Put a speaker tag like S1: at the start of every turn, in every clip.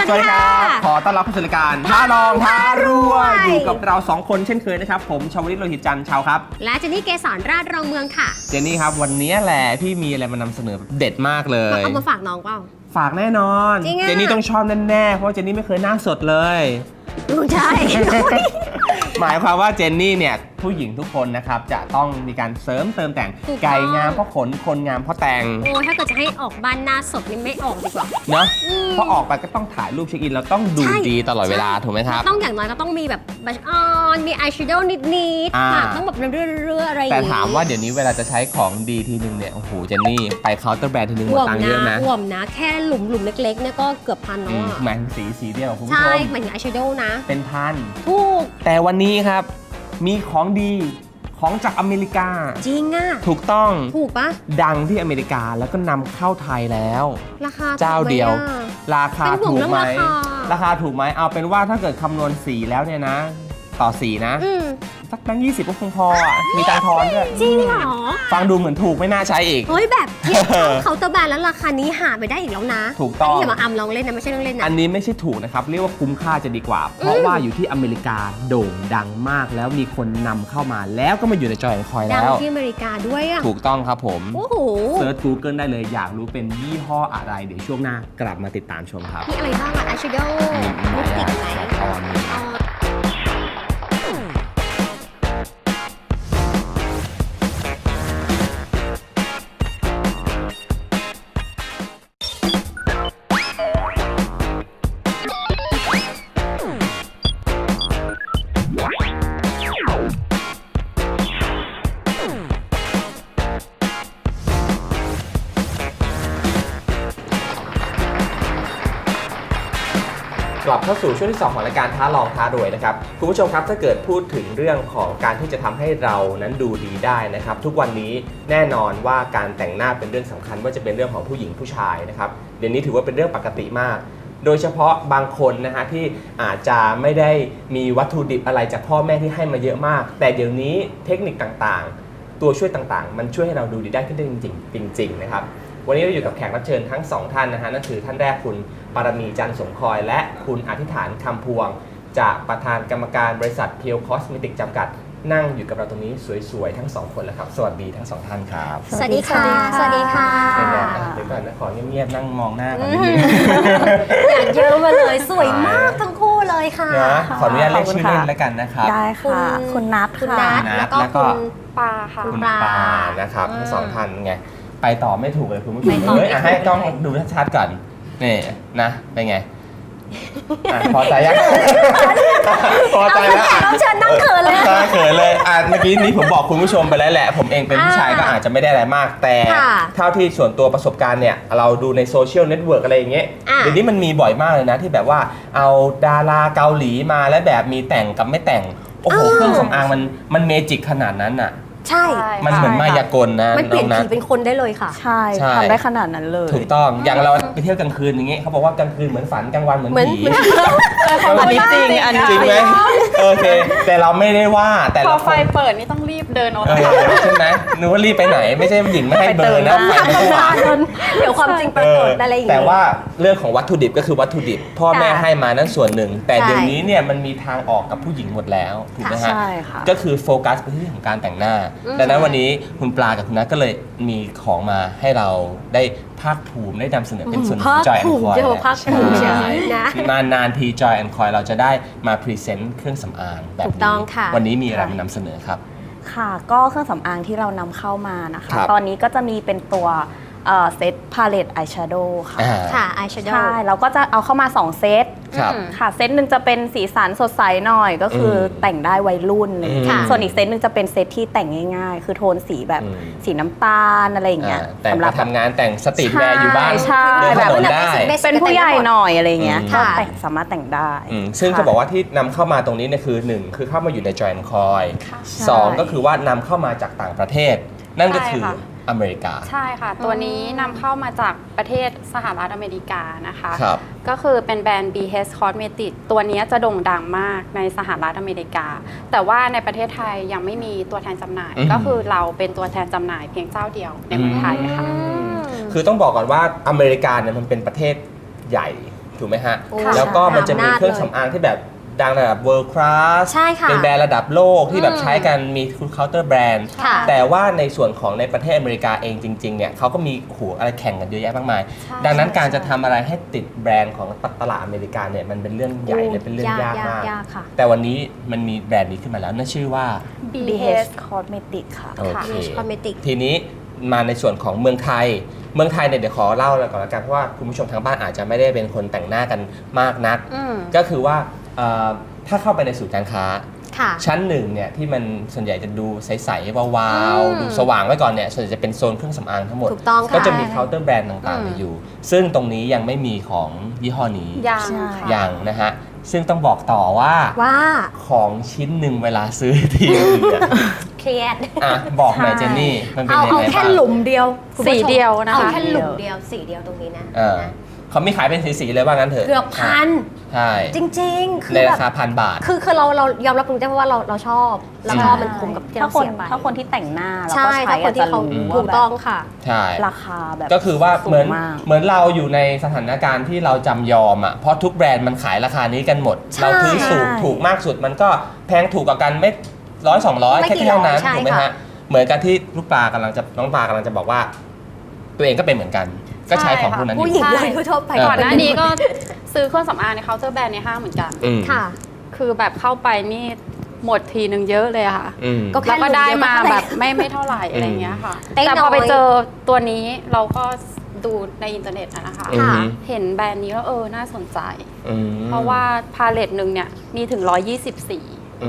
S1: สวัสดีครับขอต้อนรับเข้าสู่รายการท้าลองท้ารวยอยู่กับเรา2คนเช่นเคยนะครับผมชาวลิตโลหิตจันทร์ชาวครับ
S2: และเจนนี่เกษรราชรองเมืองค่ะ
S1: เจนนี่ครับวันนี้แหละพี่มีอะไรมานำเสนอเด็ดมากเลย
S2: เอามาฝากน้องเปล่า
S1: ฝากแน่นอนเจนนี่ต้องชอบแน่ๆเพราะเจนนี่ไม่เคยหน้าสดเลย
S2: ใช่
S1: หมายความว่าเจนนี่เนี่ยผู้หญิงทุกคนนะครับจะต้องมีการเสริมเติมแต่งไก่งามเพราะขนคนงามเพราะแต่ง
S2: โอ้ถ้าเกิดจะให้ออกบ้านหน้าสดนี่ไม่ออกดีกว่า
S1: เนาะเพราะออกไปก็ต้องถ่ายรูปเช็คอินแล้วต้องดูดีตลอดเวลาถูกไหมครับ
S2: ต้องอย่างน้อยก็ต้องมีแบบบัชออนมีอายแชโดว์นิดๆปากต้องแบบเรื่อยๆอะไรอย่าง
S1: งี้แต่ถามว่าเดี๋ยวนี้เวลาจะใช้ของดีทีนึงเนี่ยโอ้โหเจนนี่ไปเคาน์เตอร์แบรนด์ทีนึงหมดตังค์เยอะนะ
S2: ห่วมนะแค่หลุมเล็กๆเนี่ยก็เกือบพันแล้ว
S1: หมายถึงสีเดียวคุณผู้ชม
S2: ใช่หมายถึงอายแชโดว์นะ
S1: เป็นพัน
S2: ถูก
S1: แต่วันนี้ครับมีของดีของจากอเมริกา
S2: จริงอ่ะ
S1: ถูกต้อง
S2: ถูกปะ
S1: ดังที่อเมริกาแล้วก็นำเข้าไทยแล้ว
S2: ราคา
S1: เจ้าเดียวราคาถูกไหมราคาถูกไหมเอาเป็นว่าถ้าเกิดคำนวณสีแล้วเนี่ยนะต่อสีนะสักแบงค์20ก็คงพออ่ะมีตังทอนด้วย
S2: จริงเหรอ
S1: ฟังดูเหมือนถูกไม่น่าใช้อีก
S2: เฮ้ยแบบเทียบเขาน์เตอร์แบรนด์แล้วราคานี้หาไปได้อีกแล้วนะ
S1: ถูกต้อง
S2: อย่ามาอำลองเล่นนะไม่ใช่เรื่องเล่นนะ
S1: อันนี้ไม่ใช่ถูกนะครับเรียกว่าคุ้มค่าจะดีกว่าเพราะว่าอยู่ที่อเมริกาโด่งดังมากแล้วมีคนนำเข้ามาแล้วก็มาอยู่ในจอยของคอยแล้ว
S2: ดังที่อเมริกาด้วยอ่ะ
S1: ถูกต้องครับผม
S2: โอ้โห
S1: เซิร์ช Google ได้เลยอยากรู้เป็นยี่ห้ออะไรเดี๋ยวช่วงหน้ากลับมาติดตามชมครับ
S2: มีอะไรบ้างอะอายแชโดว์ลิปสติกไหม
S1: กลับเข้าสู่ช่วงที่2ของรายการท้าลองท้ารวยนะครับคุณผู้ชมครับถ้าเกิดพูดถึงเรื่องของการที่จะทำให้เรานั้นดูดีได้นะครับทุกวันนี้แน่นอนว่าการแต่งหน้าเป็นเรื่องสำคัญว่าจะเป็นเรื่องของผู้หญิงผู้ชายนะครับเดี๋ยวนี้ถือว่าเป็นเรื่องปกติมากโดยเฉพาะบางคนนะฮะที่อาจจะไม่ได้มีวัตถุดิบอะไรจากพ่อแม่ที่ให้มาเยอะมากแต่เดี๋ยวนี้เทคนิคต่างๆตัวช่วยต่างๆมันช่วยให้เราดูดีได้ขึ้นได้จริงๆนะครับวันนี้เราอยู่กับแขกรับเชิญทั้ง2ท่านนะฮะนั่นคือท่านแรกคุณปารมีจันทร์สมคอยและคุณอธิษฐานคำพวงจากประธานกรรมการบริษัทเพียวคอสเมติกจำกัดนั่งอยู่กับเราตรงนี้สวยๆทั้ง2คนแล้วครับสวัสดีทั้ง2ท่านครับ
S2: สวัสดีค่ะสวัสดีค่ะ
S1: เดี๋ยวก่อนนะขอเงียบๆนั่งมองหน้าก่อนนิดนึง
S2: อย่างเยอะมาเลยสวยมากทั้งคู่เลยค่ะ
S1: ขออนุญาตเรียกชื่อเล่นแล้วกันนะครับ
S3: ได้ค่ะคุณนัท
S2: แล้วก็คุณปาค่ะ
S1: คุณปานะครับทั้ง2ท่านไงไปต่อไม่ถูกเลยคุณผู้ชมให้กล้องดูชัดๆก่อนนี่นะเป็นไงพอใจยังพอใจแล้ว
S2: เชิญนั่งเขินเลย
S1: เขินเลยเมื่อกี้นี้ผมบอกคุณผู้ชมไปแล้วแหละผมเองเป็นผู้ชายก็อาจจะไม่ได้อะไรมากแต่เท่าที่ส่วนตัวประสบการณ์เนี่ยเราดูในโซเชียลเน็ตเวิร์กอะไรอย่างเงี้ยเดี๋ยวนี้มันมีบ่อยมากเลยนะที่แบบว่าเอาดาราเกาหลีมาแล้วแบบมีแต่งกับไม่แต่งโอ้โหเครื่องสำอางมันเมจิกขนาดนั้นอ่ะ
S2: ใช่
S1: มันเหมือนมายากลนะ
S2: มันเปลี่ยนผีเป็นคนได้เลยค่ะ
S3: ใช่ทำได้ขนาดนั้นเลย
S1: ถูกต้องอย่างเราไปเที่ยวกลางคืนอย่างเงี้ยเขาบอกว่ากลางคืนเหมือนฝันกลางวันเหมือนผี
S3: อันนี้จริง
S1: จริงไหมโอเคแต่เราไม่ได้ว่าแต่
S3: พอไฟเปิดนี่ต้องรีบเดินออก
S1: ใช่ไหมนึกว่ารีบไปไหนไม่ใช่หญิงไม่ให้เบอร์นะ
S2: เดี๋ยวความจริงปรากฏอะไรอย่างเงี้ย
S1: แต่ว่าเรื่องของวัตถุดิบก็คือวัตถุดิบพ่อแม่ให้มานั้นส่วนหนึ่งแต่เดี๋ยวนี้เนี่ยมันมีทางออกกับผู้หญิงหมดแล้วถูกไหมฮะก็คือโฟกัสไปที่เรื่องของการแต่งหน้าดังนั้นวันนี้คุณปลากับคุณนัทก็เลยมีของมาให้เราได้ภาคภูมิได้นำเสนอเป็นส่วนของ Joy and Coy นานๆที Joy and Coy เราจะได้มาพรีเซนต์เครื่องสำอางแบบนี้วันนี้มีอะไรมานำเสนอครับ
S3: ค่ะก็เครื่องสำอางที่เรานำเข้ามานะคะตอนนี้ก็จะมีเป็นตัวเซตพาเลตอายแชโดว์ค่ะ
S2: อายแชโดว์
S3: ใช่เราก็จะเอาเข้ามา2เซตค่ะเซตหนึ่งจะเป็นสีสันสดใสหน่อยก็คือแต่งได้วัยรุ่นส่วนอีกเซตหนึ่งจะเป็นเซตที่แต่งง่ายๆคือโทนสีแบบสีน้ำตาลอะไรอย่างเงี้ย
S1: สำหรับทำงานแต่งสตรีทแวร์อยู่บ้าน
S3: เดินถนนได้เป็นผู้ใหญ่หน่อยอะไรเงี้ยแต่งสามารถแต่งได้
S1: ซึ่งจะบอกว่าที่นำเข้ามาตรงนี้เนี่ยคือ1คือเข้ามาอยู่ใน Joy and Coy 2ก็คือว่านำเข้ามาจากต่างประเทศนั่นก็คืออเมริกา
S4: ใช่ค่ะตัวนี้นำเข้ามาจากประเทศสหรัฐอเมริกานะคะ
S1: ครับ
S4: ก็คือเป็นแบรนด์ BH Cosmetics ตัวนี้จะโด่งดังมากในสหรัฐอเมริกาแต่ว่าในประเทศไทยยังไม่มีตัวแทนจำหน่ายก็คือเราเป็นตัวแทนจำหน่ายเพียงเจ้าเดียวในเมืองไทยค่ะ
S1: คือต้องบอกก่อนว่าอเมริกาเนี่ยมันเป็นประเทศใหญ่ถถูกไหมฮะ
S2: โอ้
S1: แล้วก็มันจะมี
S2: หาอำนาจ
S1: เครื่องสำอางที่แบบดังระดับ world class
S2: ใช่ค่ะ
S1: เป็นแบรนด์ระดับโลกที่แบบใช้กันมีเคาน์เตอร์แบรนด์
S2: ค่ะ
S1: แต่ว่าในส่วนของในประเทศอเมริกาเองจริงๆเนี่ยเขาก็มีอะไรแข่งกันเยอะแยะมากมาย
S4: ใช่
S1: ดังนั้นการจะทำอะไรให้ติดแบรนด์ของตลาดอเมริกาเนี่ยมันเป็นเรื่องใหญ่และเป็นเรื่องยากมาก
S2: ยากค่ะ
S1: แต่วันนี้มันมีแบรนด์นี้ขึ้นมาแล้วนั่นชื่อว่า
S3: BH Cosmetic ค่ะ
S1: โอเค
S2: BH Cosmetic
S1: ทีนี้มาในส่วนของเมืองไทยเนี่ยเดี๋ยวขอเล่าก่อนละกันเพราะว่าคุณผู้ชมทางบ้านอาจจะไม่ได้เป็นคนแต่งหน้ากันมากนัก ก็คือว่าถ้าเข้าไปในศูนย์การค้า
S2: ค่ะ
S1: ชั้นหนึ่งเนี่ยที่มันส่วนใหญ่จะดูใสๆวาวๆดูสว่างไว้ก่อนเนี่ยส่วนใหญ่จะเป็นโซนเครื่องสำอางทั้งหมด
S2: ถูกต้องค่ะ
S1: ก็จะมีเคาน์เตอร์แบรนด์ต่างๆอยู่ ซึ่งตรงนี้ยังไม่มีของยี่ห้อนี้
S4: ยัง
S3: ใช่
S4: ค่ะ
S1: ยังนะฮะซึ่งต้องบอกต่อว่า
S2: ว่า
S1: ของชิ้นหนึ่งเวลาซื้อทีนึงเนี่ย
S2: เครียด
S1: อ่ะบอกหน่อยเจนนี่มันเป็น
S2: เอา
S1: ยัง
S2: เอา
S1: ไง
S2: แค่
S1: บ้าง
S2: หลุมเดียวคุณผู้ชม
S4: สีเดียวนะคะ
S2: เอาแค่หลุมเดียวสีเดียวตรงนี้นะ
S1: เขามีขายเป็นสีๆเลยว่างั้นเถอะ
S2: เกือบพัน
S1: ใช่
S2: จริงๆ คือ
S1: ใน
S2: แบ
S1: รา
S2: บ
S1: คา1,000 บาท
S2: คือเรายอมรับตรงนี้เพราะว่าเราชอบแล้วก็มันคุ้มกับที่
S3: ถ้า
S2: เรา
S3: คน
S2: เสียไป
S3: ถ้าคนที่แต่งหน้าแล้ว
S2: ใช่
S3: ก็ใช้
S2: ถ้าคนที่เขา
S3: จะรู้
S2: ถู
S3: ว่าก แบบ
S2: ต้องค่ะ
S1: ใช่
S3: ราคาแบบ
S1: ก็คือว่าเหมือน
S3: สูงมาก
S1: เราอยู่ในสถานการณ์ที่เราจำยอมอ่ะเพราะทุกแบรนด์มันขายราคานี้กันหมด
S2: ใช่
S1: เราซื้อถูกมากสุดมันก็แพงถูกกว่ากันไม่100-200
S2: ไม่
S1: แค่
S2: กี่
S1: เท่านั้น
S2: ร้อยใช่
S1: ถูกไหม
S2: ค่ะ
S1: ฮะเหมือนกับที่น้องปลากำลังจะบอกว่า ตัวเองก็เป็นเหมือนกัน ก็ใช้ของพวกนั้นอ
S2: ผู้
S1: ยู่
S2: หญิง
S4: ใช่
S2: โดยทั่วไป
S4: ก่อนหน้านี้ก็ซื้อเครื่องสำอางในเคาน์เตอร์แบรนด์ในห้างเหมือนกัน
S1: อืม
S2: ค่ะ
S4: คือแบบเข้าไปนี่หมดทีนึงเยอะเลยอะค่ะ
S1: อืม
S2: ก็
S4: แล้วก็ได้มา
S2: หลุมเดียวก็
S4: แบบไม่เท่าไหร่อะไรอย่างเงี้ยค่ะ
S2: ได้น้อย
S4: แต่พอไปเจอตัวนี้เราก็ดูในอินเทอร์เน็ตอะนะคะ
S1: อืม
S4: เห็นแบรนด์นี้แล้วน่าสนใจ
S1: อืม
S4: เพราะว่าพาเลตหนึ่งเนี่ยมีถึง 120 สี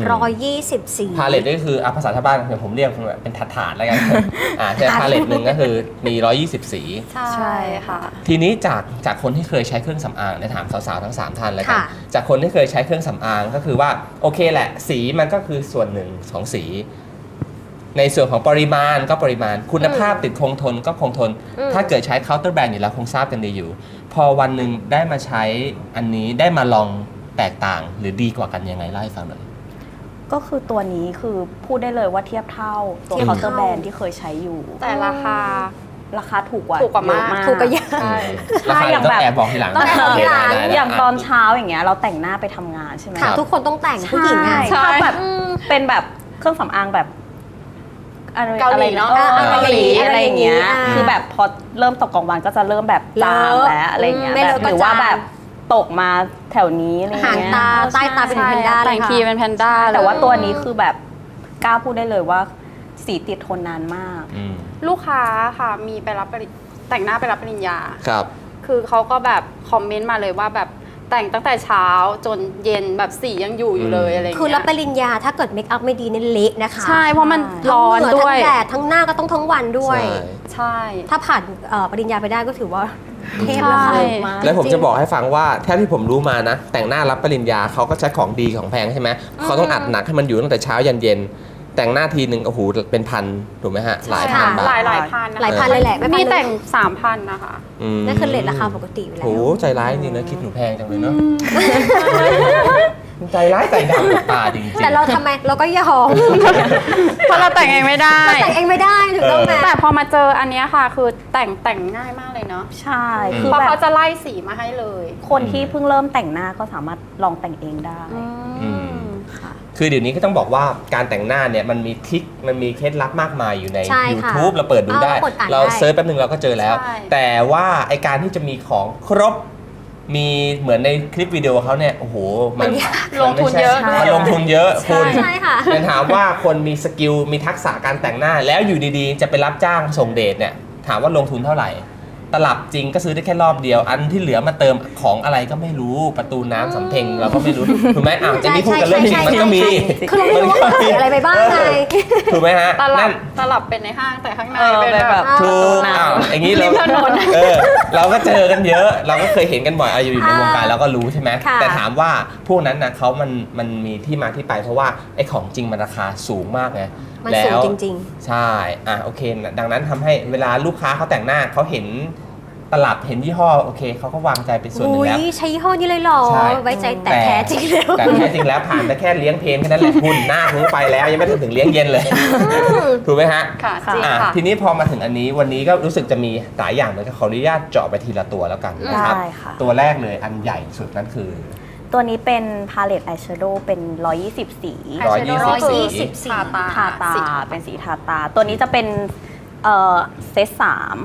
S2: 124
S1: พาเลตก็คือภาษาชาวบ้านเดี๋ยวผมเรียกเป็นถาดๆแล้วกัน ใช่พาเลตหนึ่งก็คือมี 120 สี
S4: ใช่ค่ะ
S1: ทีนี้จากคนที่เคยใช้เครื่องสำอางเนี่ยถามสาวๆทั้ง 3 ท่านเลยกัน
S2: ค่ะ
S1: จากคนที่เคยใช้เครื่องสำอางก็คือว่าโอเคแหละสีมันก็คือส่วนหนึ่งของสี ในส่วนของปริมาณก็ปริมาณคุณภาพติดคงทนก็คงทน ถ้าเกิดใช้เคาน์เตอร์แบรนด์อยู่แล้วคงทราบกันดีอยู่ พอวันหนึ่งได้มาใช้อันนี้ได้มาลองแตกต่างหรือดีกว่ากันยังไงเล่าให้ฟังหน่อย
S3: ก็คือตัวนี้คือพูดได้เลยว่าเทียบเท่าตัว
S2: เทียบ
S3: เคาน์
S2: เท่า
S3: เตอร์แบรนด์ที่เคยใช้อยู่
S4: แต่ราคา
S3: ราคาถูกกว่า
S4: ถูกกว่ามาก
S3: เยอะ
S2: ถูกกว่าเยอะ
S4: ใช่
S1: ราคา
S3: อย่าง
S1: ต้อง
S3: แบบ
S1: แอบบอกทีหลัง
S2: ต้องแอบบอกทีหลัง
S1: ได้
S3: อย่างตอนเช้าอย่างเงี้ยเราแต่งหน้าไปทำงานใช่ไหม
S2: ค่ะ ทุกคนต้องแต่งผู้หญิงอ่ะ
S3: ใช่ถ้าแบบเป็นแบบเครื่องสำอางแบบอะไร
S4: เกาหลีเนอะ
S3: เกาหลีอะไรอย่างเงี้ย
S2: อ่า
S3: คือแบบพอเริ่มตกกลางวันก็จะเริ่มแบบจางแล้วอะไรเงี้ย
S2: ไม่
S3: แบ
S2: เล
S3: บ
S2: อะก็
S3: หรือว่า
S2: จาง
S3: แบบตกมาแถวนี้อะไร
S2: หาง
S3: เงี้ย
S2: ตาใต้ตาเป็นแพนด้าเล
S4: แต่
S2: ย
S4: ง
S2: ค่ะ
S4: ทีเป็นแพนด้า
S3: แต่ว่า
S4: เลย
S3: ตัวนี้คือแบบกล้าพูดได้เลยว่าสีติดทนนานมาก
S1: อืม
S4: ลูกค้าค่ะมีไปรับแต่งหน้าไปรับปริญญา
S1: ครับ
S4: คือเขาก็แบบคอมเมนต์มาเลยว่าแบบแต่งตั้งแต่เช้าจนเย็นแบบสียังอยู่เลยอะไรอย่าง
S2: คือ
S4: เงี้
S2: รับป
S4: ย
S2: ริญญาถ้าเกิดเมคอัพไม่ดีเนี่ยเละนะคะ
S4: ใช่เพราะมัน
S2: ทั้ง
S4: ร้อน
S2: เหงื่
S4: ด้วย
S2: ทั้งแดดทั้งหน้าก็ต้องทั้งวันด้วย
S4: ใช่
S2: ถ้าผ่านปริญญาไปได้ก็ถือว่าเทพ
S4: ใช่
S2: แล้วค่ะ
S1: แล้วผมจะบอกให้ฟังว่าแท้ที่ผมรู้มานะ แต่งหน้ารับปริญญาเขาก็ใช้ของดีของแพงใช่ไหมเขาต้องอัดหนักให้มันอยู่ตั้งแต่เช้ายันเย็น แต่งหน้าทีหนึ่งโอ้โหเป็นพันถูกไหมฮะหลายพันบาท
S4: หลายพันนะคะ
S2: หลายพันเลยแหละไม่พัน
S4: มี
S2: เลย
S4: แต่ง 3,000 นะคะ
S2: นั่นคือเลทราคาปกติอยู่แล้ว
S1: โอ้โหใจร้ายจริงนะคิดหนูแพงจังเลยเนาะใจร้ายใจดำกับตาจริงๆ
S2: แต่เราทำไมเราก็ยอม
S4: เพราะเราแต่งเองไม่ได้
S2: เราแต่งเองไม่ได้ถูกต้องไหม
S4: แต่พอมาเจออันเนี้ยค่ะ คือแต่งง่ายมากเลยเนาะ
S3: ใช่คือ
S4: เพราะ
S3: แบ
S4: เขา
S3: บ
S4: จะไล่สีมาให้เลย
S3: คนที่เพิ่งเริ่มแต่งหน้าก็สามารถลองแต่งเองได้
S2: ค่ะ
S1: คือเดี๋ยวนี้ก็ต้องบอกว่าการแต่งหน้าเนี่ยมันมีทริคมันมีเคล็ดลับมากมายอยู่ใน
S2: ใช่ค่ะ
S1: YouTube เราเปิดดูได้
S2: กดอ่าน
S1: เรา
S2: ได้
S1: เซิร์ชแป๊บนึงเราก็เจอแล้ว
S4: ใช่
S1: แต่ว่าไอการที่จะมีของครบมีเหมือนในคลิปวิดีโอเขาเนี่ยโอ้โหมัน
S4: ลงทุนเยอะ
S1: มันลงทุนเยอะคุณ
S2: ใช่ค่ะ
S1: แต่ถามว่าคนมีสกิลมีทักษะการแต่งหน้า แล้วอยู่ดีๆ จะไปรับจ้างส่งเดทเนี่ยถามว่าลงทุนเท่าไหร่ ตลับจริงก็ซื้อได้แค่รอบเดียว อันที่เหลือมาเติมของอะไรก็ไม่รู้ประตูน้ำสำเพ็งเราก็ไม่รู้ถูกไหมอ้าวจะมีพูดกันเรื่องจริงมันก็มี
S2: คือเราไม่รู้ว่าเขาใส่อะไรไปบ้างไง
S1: ถูกไหมฮะ
S4: ตลั
S1: นั่
S4: บ
S1: น
S4: ตลับเป็นในห้างแต่ข้างใน
S3: เออ
S4: เป็น
S3: เป็น
S4: แบ
S3: แบบ บ
S1: ถูกอ้าวอย่างนี้เรา
S4: ริมถนน
S1: เราก็เจอกันเยอะ เราก็เคยเห็นกันบ่อยอยู่ในวงการเราก็รู้ใช่ไหม
S2: ค่ะ
S1: แต่ถามว่าพวกนั้นนะเขามันมีที่มาที่ไปเพราะว่าไอ้ของจริงมันราคาสูงมากไง
S2: มัน
S1: แล้ว
S2: สูงจริง
S1: ใช่โอเคดังนั้นทำให้เวลาลูกค้าเขาแต่งหน้าเขาเห็นตลับเห็นยี่ห้อโอเคเขาก็วางใจเป็นส่วนหนึ่งแล้ว
S2: ใช้ยี่ห้อนี้เลยเหรอ
S1: ใช่
S2: ไว้ใจแต่แท้จริงแล้ว
S1: แต่แท้จริงแล้วผ่านแต่แค่เลี้ยงเพลนแค่นั้นแหละคุณหน้าคุณไปแล้วยังไม่ถึงเลี้ยงเย็นเลยถูกไหมฮะ
S4: ค่ะจริงค่ะ
S1: ทีนี้พอมาถึงอันนี้วันนี้ก็รู้สึกจะมีหลายอย่างเลยขออนุญาตเจาะไปทีละตัวแล้วกันนะครับ
S3: ได้ค่ะ
S1: ตัวแรกเลยอันใหญ่สุดนั่นคือ
S3: ตัวนี้เป็นพาเลตอายแชโดว์เป็น 120 สี
S2: 120 สี
S3: ทาตาเป็นสีทาตา ตัวนี้จะเป็นเซต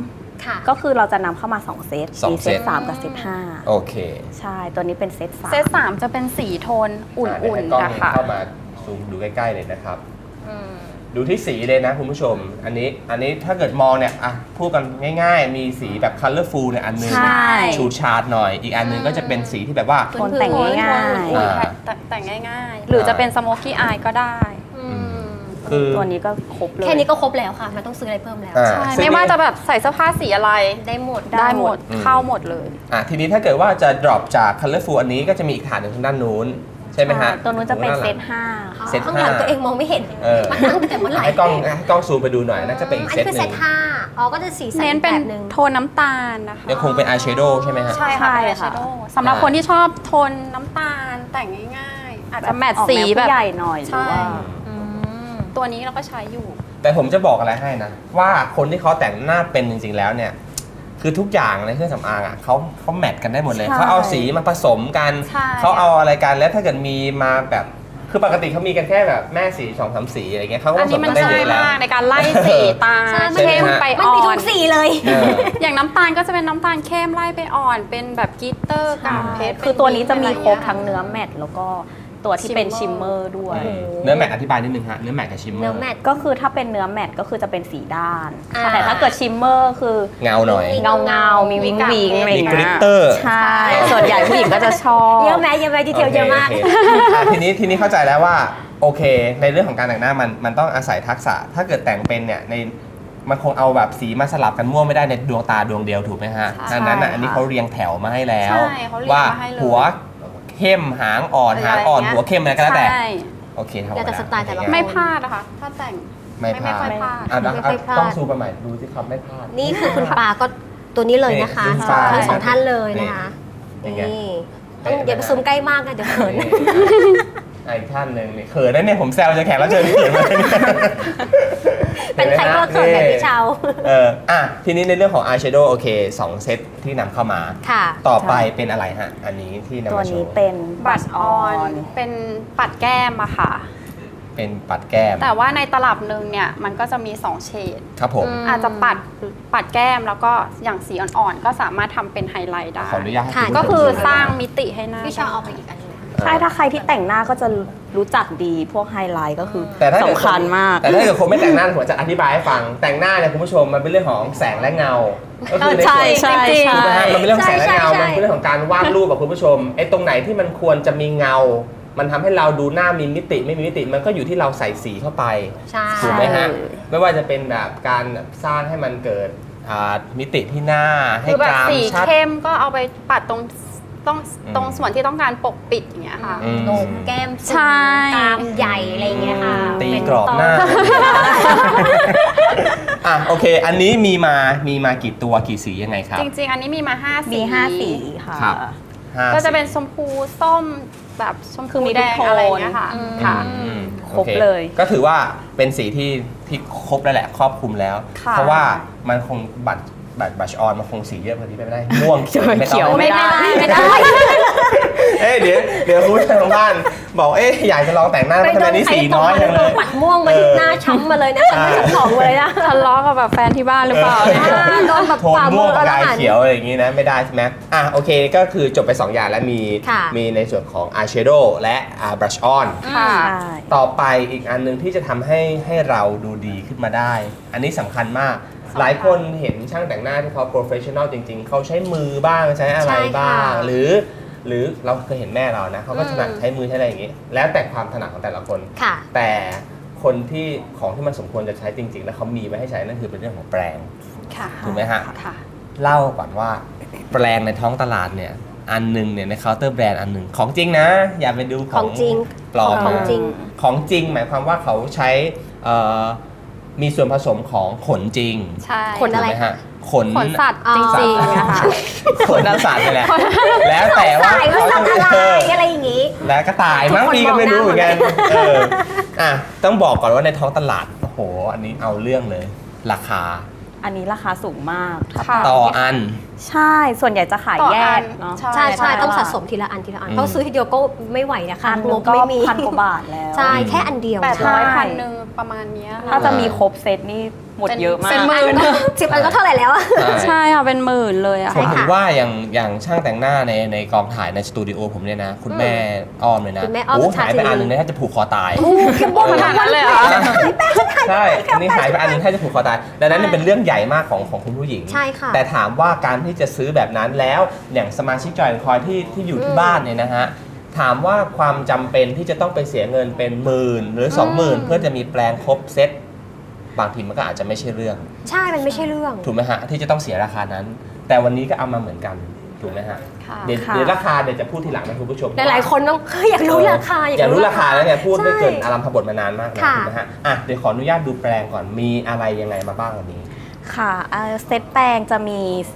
S3: 3
S2: ค่ะ
S3: ก็คือเราจะนำเข้ามา 2 เซต
S1: สอง
S3: มี
S1: เซ
S3: เซ
S1: ต
S3: ต3กับเซต
S1: โอเค
S3: 5ใช่ ตัวนี้เป็นเซต3
S4: เซต3จะเป็นสีโทนอุ่น
S1: ให้กล้อง
S4: ๆนะคะ
S1: เข้ามาซูมดูใกล้ๆเลยนะครับ ดูที่สีเลยนะคุณผู้ชม อันนี้ถ้าเกิดมองเนี่ยอ่ะพูดกันง่ายๆ มีสีแบบ colorful เนี่ยอันนึง
S3: ใช่
S1: ชูชาร์ดหน่อย อีกอันนึงก็จะเป็นสีที่แบบว่า
S3: โทนแต่งง่าย
S1: อ่า
S4: แต่งง่ายๆ หรือจะเป็นสโมกี้อายก็ได้
S1: คือ
S3: ตัวนี้ก็ครบเลย
S2: แค่นี้ก็ครบแล้วค่ะไม่ต้องซื้ออะไรเพิ่มแล้ว
S1: อ่า
S4: ใช่
S1: ซึ่ง
S4: ไม่ว่าจะแบบใส่เสื้อผ้าสีอะไร
S2: ได้หมด
S4: ได้หมด
S1: อืม
S4: เข้าหมดเลย
S1: ทีนี้ถ้าเกิดว่าจะ drop จาก colorful อันนี้ก็จะมีอีกฐานหนึ่งทางด้านนู้น ใช่ไหมฮะ
S3: ตัวนู้นจะเป็นเซต
S2: อ๋อ
S1: เซต
S2: ข้างหลัง
S1: 5
S2: ตัวเองมองไม่เห็น มาตั้งแต่เมื่อไหร่
S1: ให้กล้องซูมไปดูหน่อยน่าจะเป็นอีก
S2: อัน
S1: เซ
S2: นี้
S1: ต
S2: คือ
S1: ห
S2: เซ
S1: นึ่
S2: ต
S1: ง
S2: 5อ๋อก็จะสีสัน
S4: เน้น
S2: แบ
S4: เป็น
S2: บหนึ่ง
S4: โทนน้ำตาลนะคะ
S1: ยังคงเป็น eyeshadow ใช่ไหมฮะ
S4: ใช่
S3: ใช่
S4: ค่ะ
S3: ค่ะ
S4: สำหรับคนที่ชอบโทนน้ำตาลแต่งง่ายๆ อาจจะแมท
S3: ออก
S4: สี
S3: นว
S4: แบบ
S3: ผู้ใหญ่หน่อยหรือว่า
S4: ใช่ ตัวนี้เราก็ใช้อยู่
S1: แต่ผมจะบอกอะไรให้นะ ว่าคนที่เขาแต่งหน้าเป็นจริงๆแล้วเนี่ย คือทุกอย่างในเครื่องสำอางอ่ะเขาแมทกันได้หมดเลย
S3: ใช่
S1: เขาเอาสีมาผสมกัน
S4: ใช่
S1: เขาเอาอะไรกันแล้วถ้าเกิดมีมาแบบคือปกติเขามีกันแค่แบบแม่สี2-3 สีอะไรเงี้ยเขาก็ผ
S4: อัน
S1: ส
S4: นี้
S1: ม
S4: มั
S1: กัน นได้
S4: ช่
S1: เย
S4: วย
S1: อะแล้ว
S4: มากในการไล่สีตา
S2: ใช่
S4: เข้มไป
S2: มัน
S4: อ่
S2: มี
S4: อ
S2: ทุ
S4: น
S2: กสีเลย
S1: เออ
S4: อย่างน้ำตาลก็จะเป็นน้ำตาลเข้มไล่ไปอ่อน เป็นแบบกลิตเตอร์กากเพชร
S3: คือตัวนี้จะมีครบ
S4: เป็น
S3: ทั้งเนื้อแมตต์แล้วก็ตัวที่เป็นชิมเมอร์ด้วย
S1: เนื้อแมทอธิบายนิดนึงฮะเนื้อแมทกับชิมเมอร์
S2: เนื้อแมท
S3: ก็คือถ้าเป็นเนื้อแมตต์ก็คือจะเป็นสีด้าน
S2: อ่า
S3: แต่ถ้าเกิดชิมเมอร์คือ
S1: เงาหน่อย
S3: เงามีวิงวิงอะไรอ
S1: มี
S3: ย่าง
S1: กริ
S3: เงี้
S1: ต
S3: ย
S1: เตอร์
S3: ใช่ ส่วนใหญ่ผู้หญิงก็จะชอบ
S2: เยอะแมดีเทลเยอะมาก
S1: โอเคทีนี้เข้าใจแล้วว่าโอเค ในเรื่องของการแต่งหน้ามันต้องอาศัยทักษะ ถ้าเกิดแต่งเป็นเนี่ยมันคงเอาแบบสีมาสลับกันมั่วไม่ได้ในดวงตาดวงเดียวถูกไหมฮะ
S3: ใช่
S1: ดังนั้น
S3: ค่ะ
S1: อันนี้เขาเรียงแถวมาให้แล้ว
S4: ใช่เขาเรียง
S1: ว่า
S4: มาให้เลย
S1: หัวเข้มหางอ่อนหางอ่อนหัวเข้มอะไรก็แล้วแต่
S4: ใช่
S1: โอเคครับ
S2: แล้วแต่สไตล์แต่ละคน
S4: ไม่พลาดนะคะ ถ้าแต่ง
S1: ไม่พลาด
S4: ไม่ค่อยพลาด
S1: อ่ะ
S2: ไม่ค่อยพลาด
S1: ต้องซูมไปใหม่ดูสิครับไม่พลาด
S2: นี่คือคุณปาก็ตัวนี้เลยนะคะ
S1: นี่คุณปา
S2: ทั้งสองท่านเลยนะคะ
S1: นี่ไง
S2: นี่ต้องอย่าไปซูมใกล้มากนะเดี๋ยวเขิน
S1: นี่อีกท่านหนึ่งนี่เขินนะเนี่ยผมแซวจะแขกรับเชิญที่เขินมาเลยเนี่ย
S2: เป็นใครก็เขินแบบพี่เชา
S1: ทีนี้ในเรื่องของ eyeshadow โอเค2 เซตที่นำเข้ามา
S2: ค่ะ
S1: ต่อไปเป็นอะไรฮะ อันนี้ที่นำ
S3: ตัว
S1: มาโช
S3: นี้
S1: ว์
S3: เป็น
S4: บัตรออนเป็นปัดแก้มอะค่ะ
S1: เป็นปัดแก้ม
S4: แต่ว่าในตลับหนึ่งเนี่ยมันก็จะมี 2 เฉด
S1: ครับผม
S4: อาจจะปัดแก้มแล้วก็อย่างสีอ่อนๆ ก็สามารถทำเป็นไฮไลท์ได้
S1: ขออนุญาตให้
S2: ค่ะ
S1: ณผู้ชม
S4: ก็คือ
S1: ดูนะ
S4: สร้างมิติให้หน้า
S2: พี่เชาเอาไปอีกอันหนึง
S3: ใช่ถ้าใครที่แต่งหน้าก็จะรู้จักดีพวกไฮไลท์ก็คือ
S1: แต่ถ้าเกิด
S3: สำคัญมาก
S1: แต่ถ้าเกิดคนไม่แต่งหน้าผมจะอธิบายให้ฟัง แต่งหน้าเนี่ยคุณผู้ชมมันเป็นเรื่องของแสงและเงา ก็คือใน
S3: ใช่
S1: ส่วน
S3: ใช่
S4: จริงๆ
S3: ใช่
S1: ถูกไหมฮะมันเป็นเรื่องของแสงและเงา
S2: ใช่
S1: มันเป็นเรื่องของการวาดรูปกับคุณผู้ชมไอ้ตรงไหนที่มันควรจะมีเงา มันทำให้เราดูหน้ามีมิติไม่มีมิติ มันก็อยู่ที่เราใส่สีเข้าไป
S2: ใช่
S1: ถูกไหมฮะ ไม่ว่าจะเป็นแบบการสร้างให้มันเกิดมิติที่หน้าให้
S4: คือแบ
S1: ก
S4: บ
S1: ราม
S4: สี
S1: ชัด
S4: เข้มก็เอาไปปัดตรง
S1: อืม
S4: ส่วนที่ต้องการปกปิดอย่างเงี้ยค่ะ
S1: อืม
S2: โหนกแก้ม
S4: ใช่
S2: ตามใหญ่อะไรอย่างเงี้ยค่ะ
S1: ตีกรอบหน้า โอเค อันนี้มีมากี่ตัวกี่สียังไงครับ
S4: จริงๆ อันนี้มีมา 5 สี
S3: มี5 สีค่ะ
S1: ครับ ห้า
S4: ก็จะ
S1: สี
S4: เป็นชมพูส้มแบบชม
S3: คื
S4: พู
S3: อมี
S4: แด
S3: ทุก
S4: ง
S3: โทน
S4: อะไรอย่างเงี้ยค่ะ
S3: ค่ะ
S1: อืม
S3: ครบ
S1: โอ
S3: เลย
S1: ก็ถือว่าเป็นสีที่ครบแล้วแหละครอบคลุมแล้ว
S4: ค่ะ
S1: เพราะว่ามันคงบัชออนมันคงสีเยอะกว่านี้ไปไม่ได้ ม่วง
S3: เขียว
S1: ต้อง
S3: ไม่ได้
S4: ไม่ได้
S1: เดี๋ยวคุณผู้ชมทางบ้านบอกอยากจะลองแต่งหน้า
S2: ไป
S1: ทำ
S2: โด
S1: ไม
S2: น
S1: นี่
S2: ใคร
S1: สี
S2: ต
S1: น้
S2: ก
S1: อย
S2: มา
S1: จัง
S2: โด
S1: เล
S2: น
S1: ย
S2: ปัดม่วงมาที่หน้าช้ำมาเลยนะฉันไม่ถึงของเลยนะ
S4: ทะเลาะกับแบบแฟนที่บ้านหรือเปล่า
S2: โดนแบบ
S1: โทน
S2: ฝ่า
S1: ม่
S2: มื
S1: วง
S2: อ
S1: กับ
S2: แล้ว
S1: ลาย
S2: หัน
S1: เขียวอะไรอย่างงี้นะไม่ได้ใช่ไหมโอเคก็คือจบไป 2 อย่างแล้วมี
S2: ค่ะ
S1: มีในส่วนของ eyeshadow และbrush on
S4: ค่ะ
S3: ใช่
S1: ต่อไปอีกอันหนึงที่จะทำให้เราดูดีขึ้นมาได้ อันนี้สำคัญมาก หลายคนเห็นช่างแต่งหน้าที่เขา professional จริง ๆ เขาใช้มือบ้างใช้อะไรบ้าง หรือเราเคยเห็นแม่เรานะเขาก็ถนัดใช้มือใช้อะไรอย่างงี้ แล้วแต่ความถนัดของแต่ละคน
S2: ค่ะ
S1: แต่คนที่ของที่มันสมควรจะใช้จริง ๆ แล้วเขามีไว้ให้ใช้นั่นคือเป็นเรื่องของแปรง
S4: ค่ะ
S1: ถูกไหมฮะ
S4: ค่ะ
S1: เล่าก่อนว่าแปรงในท้องตลาดเนี่ยอันหนึงเนี่ยในเคาน์เตอร์แบรนด์อันหนึ่งของจริงนะ อย่าไปดูข
S2: ข
S1: อ
S2: อง งจริง
S1: ปลอม
S2: ของจริง
S1: ของจริงหมายความว่าเขาใช้มีส่วนผสมของขนจริง
S4: ใช่
S2: ขนอะไร
S1: ถูกไหมฮะขน
S4: ขนสัตว์
S2: อ๋อ
S4: จริงๆนะคะ
S1: ขนสัตว์นี่แหละแล้วแต่ว่า
S2: สายว่าสัตว์อะไรอะไรอย่างงี้
S1: แล้วก็ตายมั้ง
S2: ทุกคน
S1: พี่ก็ไม่รู้เหมือนกัน
S2: มองหน้าหมดเลย
S1: อ่ะต้องบอกก่อนว่าในท้องตลาดโอ้โหอันนี้เอาเรื่องเลย ราคา
S3: อันนี้ราคาสูงมาก
S4: ค่ะ
S1: ต่ออัน
S3: ใช่ ส่วนใหญ่จะขาย
S4: ต่อ
S3: แย
S4: อั
S3: ก
S4: น
S3: เนาะ
S2: ใช่
S3: ใน
S2: ต้อง
S3: ตลาด
S2: สะสมทีละอันทีละอัน
S1: อืม
S2: เพราะซื้อทีเดียวก็ไม่ไหวนะคะ
S3: อัน
S2: ง
S3: นึง
S2: บ
S3: ก็
S2: ไม่มี
S3: พันกว่าบาทแล้ว
S2: ใช่แค่อันเดียว
S3: ใช่
S4: 800 1,000ประมาณเนี้ยค่ะ
S3: ถ้าจะมีครบเซตนี่หมดเยอะมาก
S4: เป็นหมื่น
S2: 10 อันก็เท่าไหร่แล้วอะ
S4: ใช่ค่ะเป็นหมื่นเลยอะ
S1: ผม
S4: ค่ะ
S1: ถึงว่าอย่างช่างแต่งหน้าในกองถ่ายในสตูดิโอผมเนี่ยนะ คุณแม่อ้อมเลยนะ
S2: คุณแม่อ้อม
S1: โอ้
S2: สุชา
S1: หาย
S2: ติ
S1: ไปอันหนึงเนี่ยถ้าจะผูกคอตาย
S4: ขนาดนั้นเลยเหรอ
S1: ใช่อันนี้หายไปอันหนึงถ้าจะผูกคอตายดังนั้นเนี่ยเป็นเรื่องใหญ่มากของคุณผู้หญิง
S2: ใช่ค่ะ
S1: แต่ถามว่าการที่จะซื้อแบบนั้นแล้วอย่างสมาชิกจอยคอยที่อยู่ที่บ้านเนี่ยนะฮะถามว่าความจำเป็นที่จะต้องไปเสียเงินเป็นหมื่นหรือ 20,000 เพื่อจะมีแปลงครบเซ็ตบางทีมันก็อาจจะไม่ใช่เรื่อง
S2: ใช่มันไม่ใช่เรื่อง
S1: ถูกไหมฮะที่จะต้องเสียราคานั้น แต่วันนี้ก็เอามาเหมือนกันถูกไหมฮะ
S4: ค่ะ
S1: เดี๋ยวราคาเดี๋ยวจะพูดทีหลังนะคุณผู้ชม
S2: หลายๆคนต้องอยากรู้ราคา
S1: อยากรู้ราคาแล้วเนี่ยพูดไม่เกิน
S2: ใช่
S1: อารัมพบทมานานมากแล้ว
S2: ค่ะ
S1: ถูกไหมฮะอ่ะเดี๋ยวขออนุญาตดูแปลงก่อนมีอะไรยังไงมาบ้างวันนี้
S3: ค่ะเซตแป้งจะมี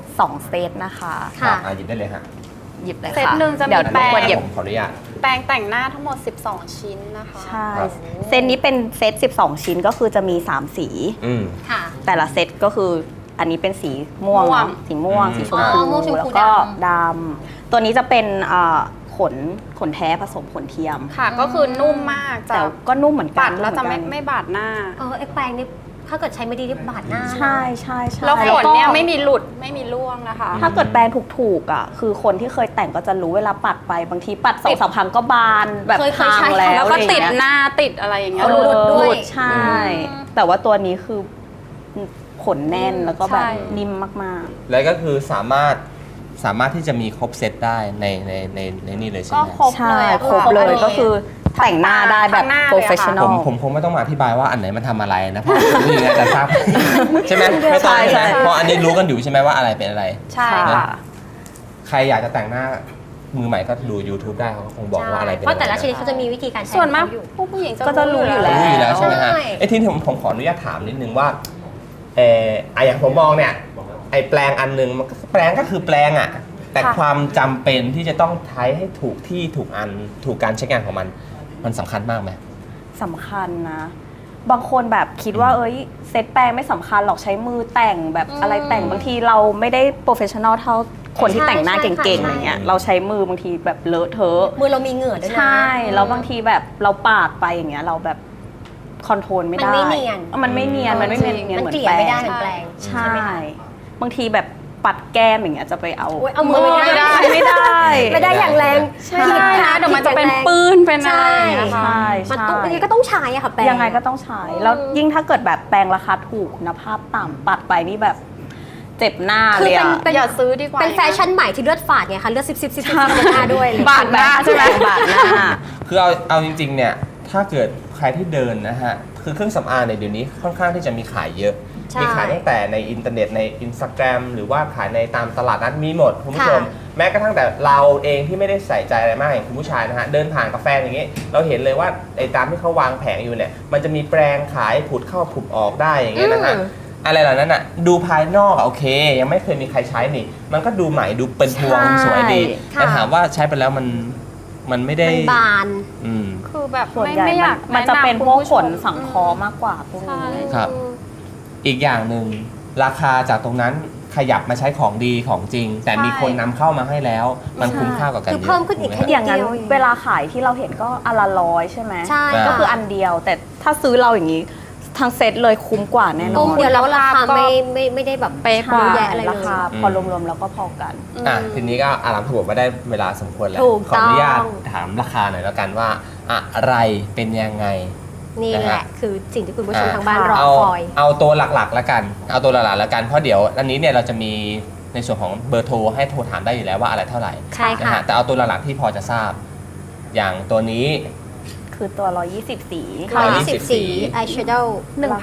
S3: 2 เซตนะคะ
S2: ค่ะ
S1: หยิบได้เลยฮะ
S3: หยิบเลยค่ะ
S4: เซตหนึ่งจะมี
S3: เดี๋ยว
S4: แป้ง
S3: ควรหยิบ
S1: ผมขออนุญาต
S4: แปรงแต่งหน้าทั้งหมด 12 ชิ้นนะคะ
S3: ใช่
S1: ครับ
S3: เซตนี้เป็นเซต 12 ชิ้นก็คือจะมี 3 สี
S1: อืม
S2: ค่ะ
S3: แต่ละเซตก็คืออันนี้เป็นสีม่วง
S4: ม่วง
S3: เนอะสีม่วง
S1: อืม
S3: สีชม
S2: อ๋
S3: พู
S2: อม่วงชมพู
S3: แล้วก็
S2: ด
S3: ดำตัวนี้จะเป็นขนแท้ผสมขนเทียม
S4: ค่ะ ก็คือนุ่มมากจะ
S3: แต่ก็นุ่มเหมือนกั
S4: ปั
S3: น
S4: ดแล้วจะ
S3: นุ่เหอนกัน
S4: ไม่บาดหน้า
S2: ไอ้แปรงนี่ถ้าเกิดใช้ไม่ดีนี่บาดหน้านะ
S3: ใช่ใช่ใช่
S4: แล้วขน
S3: ก็
S4: เนี่ยไม่มีหลุดไม่มีร่วงนะคะ
S3: ถ้าเกิดแปรงถูกๆอ่ะคือคนที่เคยแต่งก็จะรู้เวลาปัดไปบางทีปัดสองสามครั้งก็บานแบบ
S2: เคย
S3: พัง
S2: ใช้
S3: แล้ว
S4: แล้วก็
S3: อะไร
S4: ติด
S3: อย่างเงี้ย
S4: หน้าติดอะไรอย่างเงี้ย
S2: หลุดด้วย
S3: ใช่ แต่ว่าตัวนี้คือขนแน่นแล้วก็แบบ
S4: ใช่
S3: นิ่มมาก
S1: แล้วก็คือสามารถที่จะมีครบเซตได้ในนี่เลยใช่
S4: ก็
S1: ไหม
S4: ครบ
S3: ๆ ใช่
S4: เลยอะ
S3: ครบเลยก็คือแต่งหน้าได้แบบ
S4: ทั้งหน้าเลยอะค่ะ
S3: โปรเฟชชั่นอ
S1: ผ
S3: ล
S1: มคงไม่ต้องมาอธิบายว่าอันไหนมันทำอะไรนะเพราะผู้หญิงอาจจะทราบ ใช่ไหมไม่ต้อง
S3: ใช่
S1: ใช่ไหม
S3: ใช่
S1: เพราะอันนี้รู้กันอยู่ใช่ไหมว่าอะไรเป็นอะไร
S4: ใช่
S3: ค่ะ
S1: ใครอยากจะแต่งหน้ามือใหม่ก็ดู YouTube ได้เขาคงบอกว่าอะไรเป็น
S2: เพราะแต่ละ
S1: อ
S2: ชนิดเขาจะมีวิธีการใช้
S4: ส่วนมาก
S2: ของเขอยู่
S4: ผู้หญิง
S3: ก็จะรู้อยู่แล้ว
S1: รู้อยู่แล้วใช่ไหมฮะ
S2: ใช่
S1: ไอ้ที่ผมขออนุญาตถามนิดนึงว่าอย่างผมมองเนี่ยไอ้แปลงอันหนึงมันก็แปลงก็คือแปลงอ่ะแต่ความจำเป็นที่จะต้องใช้ให้ถูกที่ถูกอันถูกการใช้งานของมันสำคัญมากไหม
S3: สำคัญนะ บางคนแบบคิดว่าเอ้ยเซตแปรงไม่สำคัญหรอกใช้มือแต่งแบบอะไรแต่งบางทีเราไม่ได้โปรเฟชชั่นอลเท่าคนที่แต่งหน้าเก่งๆอะไรเงี้ยเราใช้มือบางทีแบบเลอะเทอะ
S2: มือเรามีเหงื่อด้วยนะ
S3: ใช่แล้วบางทีแบบเราปาดไปอย่างเงี้ยเราแบบคอนโทรลไม่ได้
S2: มันไม่เนียน
S3: มันไม่เนียนมันไม่เนียน
S2: มัน
S3: เหมือน
S2: เกลี่ย
S3: แปร
S2: ไม่
S3: ง
S2: ได้เหมือนแปลง
S3: ใช่
S2: ไหมคะ
S3: บางทีแบบปัดแก้มอย่างเงี้ยจะไปเอา
S2: โอ๊ยเอามือไม่ได้
S3: ไม่ได้
S2: ไม่ได้อย่างแรง
S3: ใช่
S2: ผิด
S4: นะเดี๋ยวมันจะเป็น
S2: ผิดอย่างแรง
S4: ปื้นเป็นอะไร
S2: ใช่
S4: นะคะ
S3: ใช่
S2: มัน
S3: ใช่
S2: ต้องยังไงก็ต้องใช้อะค่ะแปรง
S3: ยังไงก็ต้องใช้ แล้วยิ่งถ้าเกิดแบบแปรงราคาถูกคุณภาพต่ำปัดไปนี่แบบเจ็บหน้า
S2: คือ
S3: เลย
S2: เป็น
S3: อะ
S4: อย่าซื้อดีกว่า
S2: เป็นแฟชั่นใหม่ที่เลือดฝาดไงคะเลือดซิบหน้าด้วยเลย
S4: บาดหน้าใช่ไหม
S3: บาดหน้า
S1: คือเอาจริงๆเนี่ยถ้าเกิดใครที่เดินนะฮะคือเครื่องสำอางเนี่ยเดี๋ยวนี้ค่อนข้างที่จะมีขายเยอะ
S2: ใช่
S1: มีขายตั้งแต่ในอินเทอร์เน็ตใน Instagram หรือว่าขายในตามตลาดนัดมีหมดคุณผู้ชม
S2: ค่ะ
S1: แม้กระทั่งแต่เราเองที่ไม่ได้ใส่ใจอะไรมากอย่างคุณผู้ชายนะฮะเดินผ่านกาแฟอย่างงี้เราเห็นเลยว่าไอ้ตามที่เขาวางแผงอยู่เนี่ยมันจะมีแปรงขายผุดเข้าผุดออกได้อย่างเงี้ยนะฮะอะไรเหล่านั้นอ่ะดูภายนอกอะโอเค ยังไม่เคยมีใครใช้นี่ มันก็ดูใหม่ดูเป็นพวง
S3: ใช่
S1: สวยดี
S2: ค่ะ
S1: แต่ถามว่าใช้ไปแล้วมันไม่ได้
S2: มันบาน
S1: อืม
S4: คือแบบ
S3: ส่วน
S4: ไม่
S3: ใหญ่
S4: ไม่อยาก
S3: มันจะเป็นพวกขนสัง
S4: ค
S3: เคราะห์มากกว่าพวก
S4: ใช่
S3: นี้
S1: ครับ อีกอย่างหนึ่งราคาจากตรงนั้นขยับมาใช้ของดีของจริง แต่มีคนนำเข้ามาให้แล้ว มันคุ้มค่ากว่ากัน
S2: คือ
S1: เยอะ
S2: เพิ่มขึ้นอีก
S1: ถูไห
S2: แค่
S3: อย่างนั้น
S2: เดียวเอง
S3: เวลาขายที่เราเห็นก็อันละ100ใช่ไหม
S2: ใช่
S3: ก็คืออันเดียว แต่ถ้าซื้อเราอย่างนี้ทั้งเซตเลยคุ้มกว่าแน่น
S2: ต้
S3: อ
S2: ม
S3: น
S2: เดียวแล้วราคาไม่ได้แบบ
S4: เป๊ะกว่า
S2: เยอะแยะอะไรเลย
S3: ราคาพอรวมๆแล้วก็พอกัน
S1: ทีนี้ก็อารามขบวนมาได้เวลาสมควรแล้ว
S2: ถูก
S1: ขออนุญาต
S2: ต้อง
S1: ถามราคาหน่อยแล้วกันว่าอะไรเป็นยังไง
S2: นี่แห
S1: นะ
S2: ละ
S1: ฮะ
S2: คือสิ่งที่คุณผู้ชมทางบ้านรอคอย
S1: เอาตัวหลักๆแล้วกัน เอาตัวหลักๆแล้วกันเพราะเดี๋ยวอันนี้เนี่ยเราจะมีในส่วนของเบอร์โทรให้โทรถามได้อยู่แล้วว่าอะไรเท่าไหร่
S2: ใช่ค่ะ
S1: นะฮะแต่เอาตัวหลักๆที่พอจะทราบ อย่างตัวนี้
S3: คือตัว 120 สี
S1: 120
S2: สีอายแชโดว์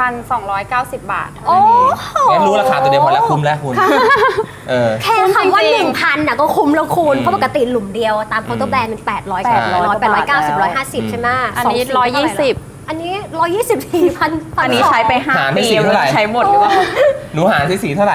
S4: 1,290 บาท
S2: โอ้
S1: งั้นรู้ราคาตัวเดียวพอแล้วคุ้มแล้วคุณ
S2: แค่คำว่า
S4: จริง
S2: 1,000น่ะก็คุ้มแล้วคุณ
S1: อืม
S2: เพราะปกติหลุมเดียวตามเคาน์เตอร์แบรนด์เป็น800
S3: 800
S2: 890 150 ใช่ไหม
S4: อันนี้
S2: สงสีเท่าไหร่ล่ะ
S4: 120
S2: อันนี้ 124,000
S3: อันนี้ใช้ไป
S1: หาร
S3: 5
S1: ไป
S3: ปี
S1: สี่เท่าไหร่
S3: ใช้หมดหรือเปล่า
S1: หนูหารที่สีเท่าไหร่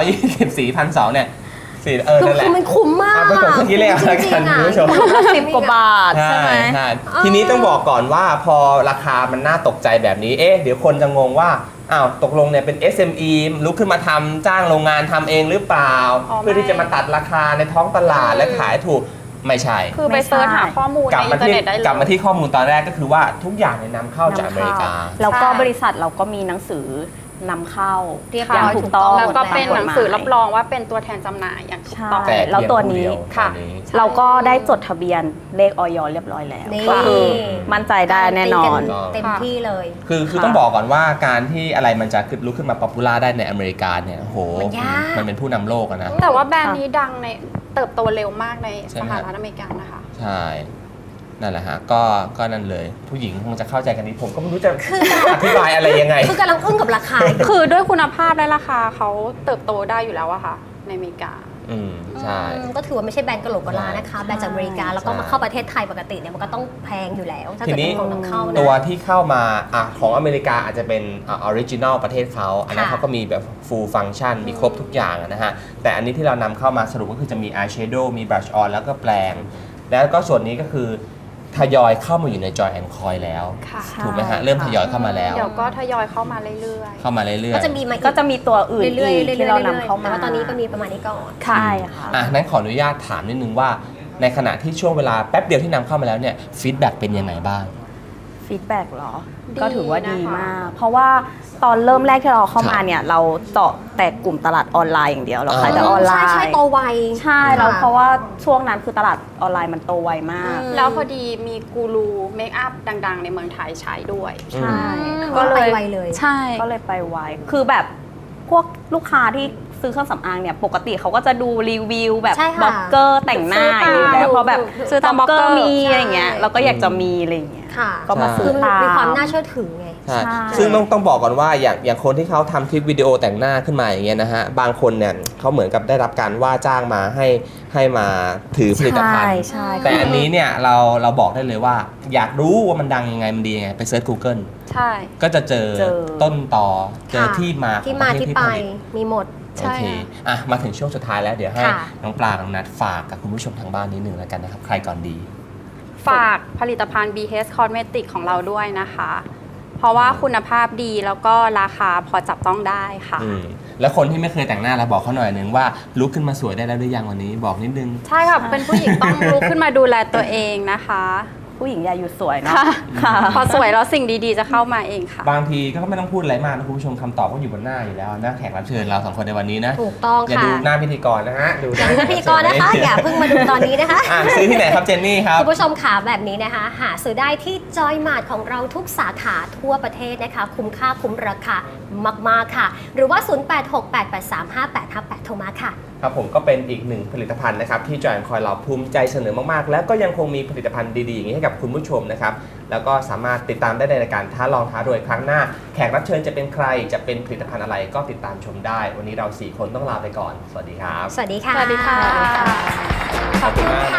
S1: 124,200เนี่ยสี่นั่นแหละ
S2: คือมันคุ้มมาก
S1: เอาไปกดเครื่องคิดเลขเอาละกันคุณผู้ชม
S3: 10 กว่าบาทใช่ไหม
S1: ใช่ทีนี้ต้องบอกก่อนว่าพอราคามันน่าตกใจแบบนี้ เดี๋ยวคนจะงงว่า อ้าว ตกลงเนี่ยเป็น SME ลุกขึ้นมาทำจ้างโรงงานทำเองหรือเปล่า
S4: อ๋อ
S1: เพื่อที่จะมาตัดราคาในท้องตลาดและขายถูก ไม่ใช่
S4: คือไปเซิร์ชหาข้อมูล
S1: กลับ
S4: ใน
S1: มา
S4: อินเทอร์
S1: ที่
S4: เน็ตได้เลย
S1: กลับมาที่ข้อมูลตอนแรกก็คือว่าทุกอย่างเนี่ยนำเข้าจากอเมริกา
S3: แล้วก็
S4: ใช่
S3: บริษัทเราก็มีหนังสือนำเข้า
S2: เรียบ
S3: อ
S2: ร้
S3: ย่าง
S2: อย
S3: ถูกต้อง
S4: แล้วก็เป็นหนังสือรับ
S3: ตามกฎหมาย
S4: รองว่าเป็นตัวแทนจำหน่ายอย่างถูกต้อง
S3: ใช่ แล้วตัวนี้
S1: ค่ะ
S3: เราก็ได้จดทะเบียนเลขออยเรียบร้อยแล้ว
S2: นี่
S3: ก็คือมั่นใจได้แน่นอน
S2: เต็มที่เลย
S1: คือต้องบอกก่อนว่าการที่อะไรมันจะลุกขึ้นมาป๊อปปูล่าได้ในอเมริกาเนี่ยโห
S2: มันยาก
S1: มันเป็นผู้นำโลกอะนะ
S4: แต่ว่าแบรนด์นี้ดังในเติบโตเร็วมากใน
S1: ใช่
S4: ส
S1: ไหม
S4: หรัฐอเมริกานะคะ
S1: ใช่ นั่นแหละฮะ ก็นั่นเลย ผู้หญิงคงจะเข้าใจกันนี้ผมก็ไม่รู้จะอธิบายอะไรยังไง
S2: คือกำลังอึ้งกับราคา
S4: คือด้วยคุณภาพและราคาเขาเติบโตได้อยู่แล้วอะค่ะ ในอเมริกา
S1: ใช่
S2: ก็ถือว่าไม่ใช่แบรนด์กะโหลกกะลานะคะ แบรนด์จากอเมริกา แล้วก็มาเข้าประเทศไทยปกติเนี่ยมันก็ต้องแพงอยู่แล้ว ถ้า
S1: ที
S2: เกิด
S1: นี้
S2: เป็นของนำเข้านะ
S1: ตัวที่เข้ามาของอเมริกาอาจจะเป็นออริจินอลประเทศเขาอันนั้น
S2: ค่ะ
S1: เขาก็มีแบบ full function มีครบทุกอย่างอะนะฮะ แต่อันนี้ที่เรานำเข้ามาสรุปก็คือจะมี eyeshadow มี brush on แล้วก็แปลง แล้วก็ส่วนนี้ก็คือทยอยเข้ามาอยู่ใน Joy and Coy แล้ว
S4: ค่ะ
S1: ถูกไหมฮะ เริ่มทยอยเข้ามาแล้ว
S4: เดี๋ยวก็ทยอยเข้ามาเรื่อย
S1: เข้ามาเรื่อย
S2: ก็จะมีมา
S3: ก็จะมีตัวอื่น
S2: เรื่อย
S3: อีก
S2: ๆ
S3: ที่เรานำเข้า
S2: แต่
S3: มา
S2: ว่าตอนนี้ก็มีประมาณนี้ก่อน
S3: ใช่ค่ะ
S1: นั้นขออนุญาตถามนิดนึงว่า ในขณะที่ช่วงเวลาแป๊บเดียวที่นำเข้ามาแล้วเนี่ยฟีดแบ็กเป็นยังไงบ้าง
S3: ฟีดแบ็กเหรอ
S4: ดี
S3: ก็ถือว่าดี
S4: นะคะ
S3: มาก เพราะว่าตอนเริ่มแรกที่เราเข้ามา
S1: ครับ
S3: เนี่ย เราเจาะแต่กลุ่มตลาดออนไลน์อย่างเดียว เราขายแต่ออนไลน์
S2: ใช่โตไว
S3: ใช่แล้วเพราะว่าช่วงนั้นคือตลาดออนไลน์มันโตไวมาก
S2: อืม
S4: ๆ แล้วพอดีมีกูรูเมคอัพดัง ๆ ในเมืองไทยใช้ด้วย
S3: ใช่
S2: ก็ไปไวเลย
S4: ใช่
S3: ก็เลยไปไว คือแบบพวกลูกค้าที่ซื้อเครื่องสำอางเนี่ยปกติเขาก็จะดูรีวิวแบบ
S2: ใช่ค่ะ
S3: บล็อกเกอร์แต่งหน้าอย่างนี้แล้วพอแบบ
S4: ซื้อตามบล็อกเกอร์
S3: มีอะไรเงี้ย
S2: ใช่
S3: เราก็อยากจะมีอะไรเงี้ย
S2: ค่ะ
S3: ก็มาซื้
S2: คือ อ
S3: ตาม
S2: มีความน่าเชื่อถือไง
S1: ใช่
S3: ใช่
S1: ซึ่งต้องบอกก่อนว่าอย่างคนที่เขาทำคลิปวิดีโอแต่งหน้าขึ้นมาอย่างเงี้ยนะฮะ บางคนเนี่ยเขาเหมือนกับได้รับการว่าจ้างมาให้มาถือผลิตภัณฑ์
S3: ใช่
S1: แต่อันนี้เนี่ยเราบอกได้เลยว่า อยากรู้ว่ามันดังยังไงมันดียังไงไปเซิร์ช Google
S4: ใช่
S1: ก็จะเจอต้นตอเจอ
S2: ค่ะ
S1: ที่มาของ
S2: ที่มา
S1: ประเทศ
S2: ที่
S1: ที่
S2: ไป
S1: ผลิต
S2: มีหมด
S4: ใช่
S1: โอเคมาถึงช่วงสุดท้ายแล้วเดี๋ยวให้
S2: ค่ะ
S1: น้องปลากับน้องนัทฝากกับคุณผู้ชมทางบ้านนิดนึงแล้วกันนะครับ ใครก่อนดี
S4: ฝากผลิตภัณฑ์ BH Cosmetic ของเราด้วยนะคะ เพราะว่าคุณภาพดีแล้วก็ราคาพอจับต้องได้ค่ะ
S1: แล้วคนที่ไม่เคยแต่งหน้าเราบอกเขาหน่อยนึงว่าลุกขึ้นมาสวยได้แล้วหรือยังวันนี้บอกนิดนึง
S4: ใช่ค่ะ เป็นผู้หญิงต้องลุกขึ้นมาดูแลตัวเองนะคะ
S3: ผู้หญิงอย่าหยุดสวยเนาะ
S4: ค่ะ
S3: ค่ะ
S4: พอสวยแล้วสิ่งดีๆจะเข้ามาเองค่ะ
S1: บางทีก็ไม่ต้องพูดอะไรมากนะคุณผู้ชมคำตอบก็อยู่บนหน้าอยู่แล้วหน้าแขกรับเชิญเราสองคนในวันนี้นะ
S2: ถูกต้อง
S1: อย่า
S2: ค่ะ
S1: ดูหน้าพิธีกรนะฮะดู
S2: อย่าดูพิธีกรนะคะ อย่าเพิ่งมาดูตอนนี้นะคะ
S1: ซื้อที่ไหนครับเจนนี่ครับ
S2: คุณผู้ชมขาแบบนี้นะคะ หาซื้อได้ที่จอยมาร์ทของเราทุกสาขาทั่วประเทศนะคะ คุ้มค่าคุ้มราคามากๆค่ะ หรือว่า 0868835858 โทรมาค่ะ
S1: ครับผมก็เป็นอีกหนึ่งผลิตภัณฑ์นะครับที่จอยคอยเราภูมิใจเสนอมากๆ แล้วก็ยังคงมีผลิตภัณฑ์ดีๆอย่างนี้ให้กับคุณผู้ชมนะครับแล้วก็สามารถติดตามได้ในรายการท้าลองท้ารวยครั้งหน้า แขกรับเชิญจะเป็นใครจะเป็นผลิตภัณฑ์อะไรก็ติดตามชมได้ วันนี้เรา4คนต้องลาไปก่อนสวัสดีครับ
S2: สวัสดีค่ะ
S4: สวัสดีค่ะ
S1: ขอบคุณมาก